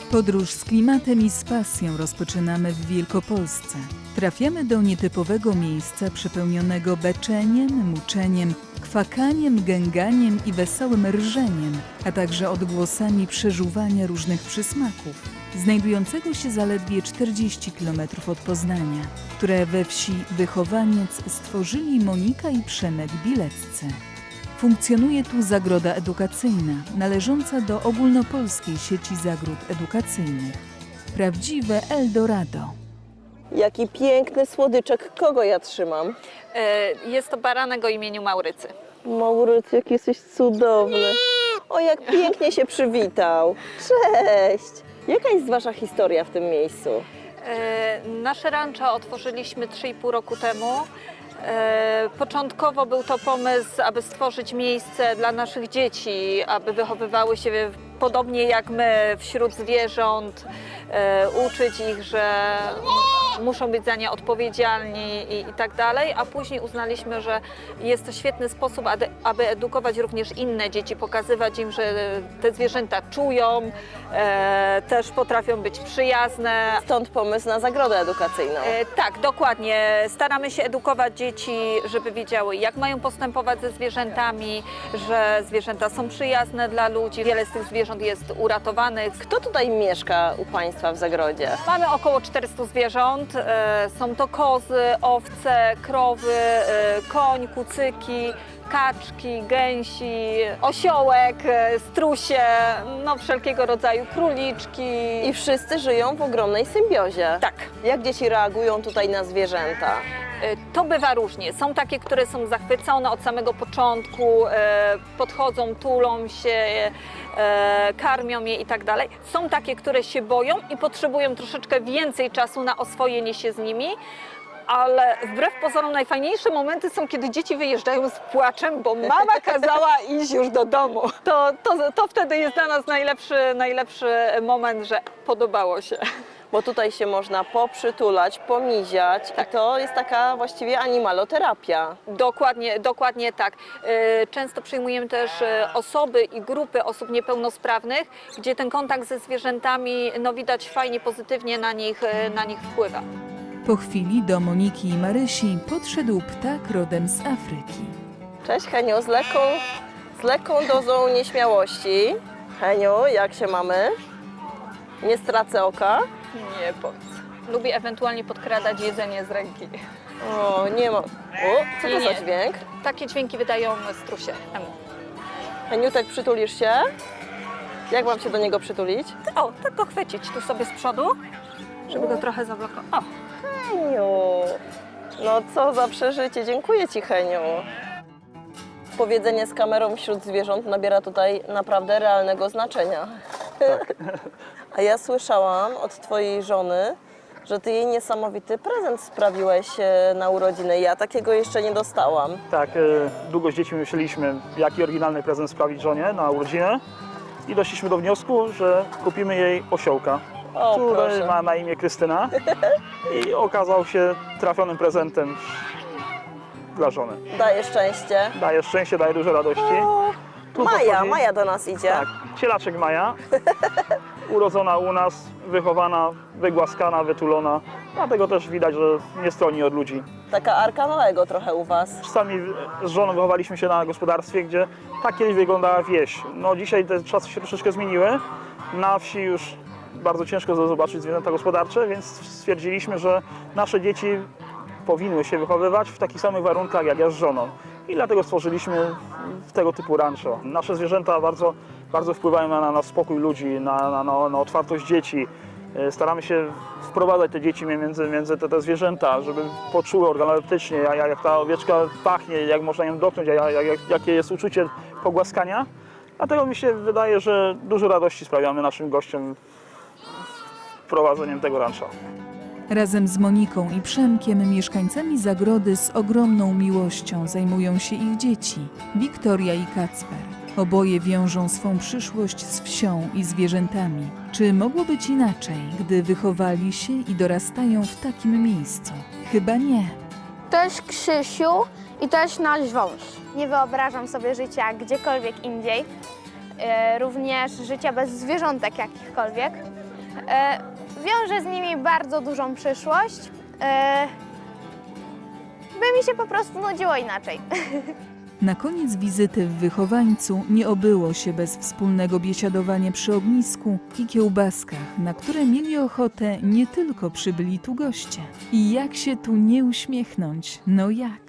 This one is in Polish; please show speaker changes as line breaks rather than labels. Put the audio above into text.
Podróż z klimatem i z pasją rozpoczynamy w Wielkopolsce. Trafiamy do nietypowego miejsca przepełnionego beczeniem, muczeniem, kwakaniem, gęganiem i wesołym rżeniem, a także odgłosami przeżuwania różnych przysmaków, znajdującego się zaledwie 40 km od Poznania, które we wsi Wychowaniec stworzyli Monika i Przemek Bileccy. Funkcjonuje tu zagroda edukacyjna, należąca do ogólnopolskiej sieci zagród edukacyjnych. Prawdziwe Eldorado.
Jaki piękny słodyczek. Kogo ja trzymam?
Jest to baranek o imieniu Maurycy.
Maurycy, jak jesteś cudowny. O, jak pięknie się przywitał. Cześć! Jaka jest wasza historia w tym miejscu?
Nasze rancho otworzyliśmy 3,5 roku temu. Początkowo był to pomysł, aby stworzyć miejsce dla naszych dzieci, aby wychowywały się podobnie jak my wśród zwierząt, uczyć ich, że muszą być za nie odpowiedzialni i tak dalej, a później uznaliśmy, że jest to świetny sposób, aby edukować również inne dzieci, pokazywać im, że te zwierzęta czują, też potrafią być przyjazne.
Stąd pomysł na zagrodę edukacyjną.
Tak, dokładnie. Staramy się edukować dzieci, żeby wiedziały, jak mają postępować ze zwierzętami, że zwierzęta są przyjazne dla ludzi. Wiele z tych zwierząt jest uratowanych.
Kto tutaj mieszka u państwa w zagrodzie?
Mamy około 400 zwierząt. Są to kozy, owce, krowy, koń, kucyki, kaczki, gęsi, osiołek, strusie, no wszelkiego rodzaju króliczki.
I wszyscy żyją w ogromnej symbiozie.
Tak.
Jak dzieci reagują tutaj na zwierzęta?
To bywa różnie. Są takie, które są zachwycone od samego początku, podchodzą, tulą się, karmią je i tak dalej. Są takie, które się boją i potrzebują troszeczkę więcej czasu na oswojenie się z nimi. Ale wbrew pozorom najfajniejsze momenty są, kiedy dzieci wyjeżdżają z płaczem, bo mama kazała iść już do domu. To wtedy jest dla nas najlepszy moment, że podobało się.
Bo tutaj się można poprzytulać, pomiziać i to jest taka właściwie animaloterapia.
Dokładnie tak. Często przyjmujemy też osoby i grupy osób niepełnosprawnych, gdzie ten kontakt ze zwierzętami widać fajnie, pozytywnie na nich wpływa.
Po chwili do Moniki i Marysi podszedł ptak rodem z Afryki.
Cześć Heniu, z lekką dozą nieśmiałości. Heniu, jak się mamy? Nie stracę oka?
Nie powiedz. Lubi ewentualnie podkradać jedzenie z ręki.
O, nie ma. O, co to za dźwięk?
Takie dźwięki wydają strusie.
Heniutek, przytulisz się? Jak mam się do niego przytulić?
O, tak go chwycić tu sobie z przodu, żeby go trochę zablokować. O!
Heniu, no co za przeżycie. Dziękuję ci, Heniu. Powiedzenie z kamerą wśród zwierząt nabiera tutaj naprawdę realnego znaczenia.
Tak.
A ja słyszałam od twojej żony, że ty jej niesamowity prezent sprawiłeś na urodziny. Ja takiego jeszcze nie dostałam.
Tak, długo z dziećmi myśleliśmy, jaki oryginalny prezent sprawić żonie na urodziny i doszliśmy do wniosku, że kupimy jej osiołka, który
proszę.
ma na imię Krystyna i okazał się trafionym prezentem dla żony.
Daje szczęście.
Daje szczęście, daje dużo radości. Tu pochodzi-
Maja do nas idzie.
Tak, cielaczek Maja, urodzona u nas, wychowana, wygłaskana, wytulona, dlatego też widać, że nie stroni od ludzi.
Taka Arka Noego trochę u was.
Sami z żoną wychowaliśmy się na gospodarstwie, gdzie tak kiedyś wyglądała wieś. No dzisiaj te czasy się troszeczkę zmieniły. Na wsi już bardzo ciężko zobaczyć zwierzęta gospodarcze, więc stwierdziliśmy, że nasze dzieci powinny się wychowywać w takich samych warunkach jak ja z żoną. I dlatego stworzyliśmy tego typu rancho. Nasze zwierzęta bardzo wpływają na spokój ludzi, na otwartość dzieci. Staramy się wprowadzać te dzieci między te zwierzęta, żeby poczuły organoleptycznie, jak ta owieczka pachnie, jak można ją dotknąć, jakie jest uczucie pogłaskania. Dlatego mi się wydaje, że dużo radości sprawiamy naszym gościom wprowadzeniem tego rancha.
Razem z Moniką i Przemkiem mieszkańcami zagrody z ogromną miłością zajmują się ich dzieci, Wiktoria i Kacper. Oboje wiążą swą przyszłość z wsią i zwierzętami. Czy mogło być inaczej, gdy wychowali się i dorastają w takim miejscu? Chyba nie.
To jest Krzysiu i to jest nasz wąż.
Nie wyobrażam sobie życia gdziekolwiek indziej, również życia bez zwierzątek jakichkolwiek. Wiążę z nimi bardzo dużą przyszłość, by mi się po prostu nudziło inaczej.
Na koniec wizyty w wychowańcu nie obyło się bez wspólnego biesiadowania przy ognisku i kiełbaskach, na które mieli ochotę nie tylko przybyli tu goście. I jak się tu nie uśmiechnąć? No jak?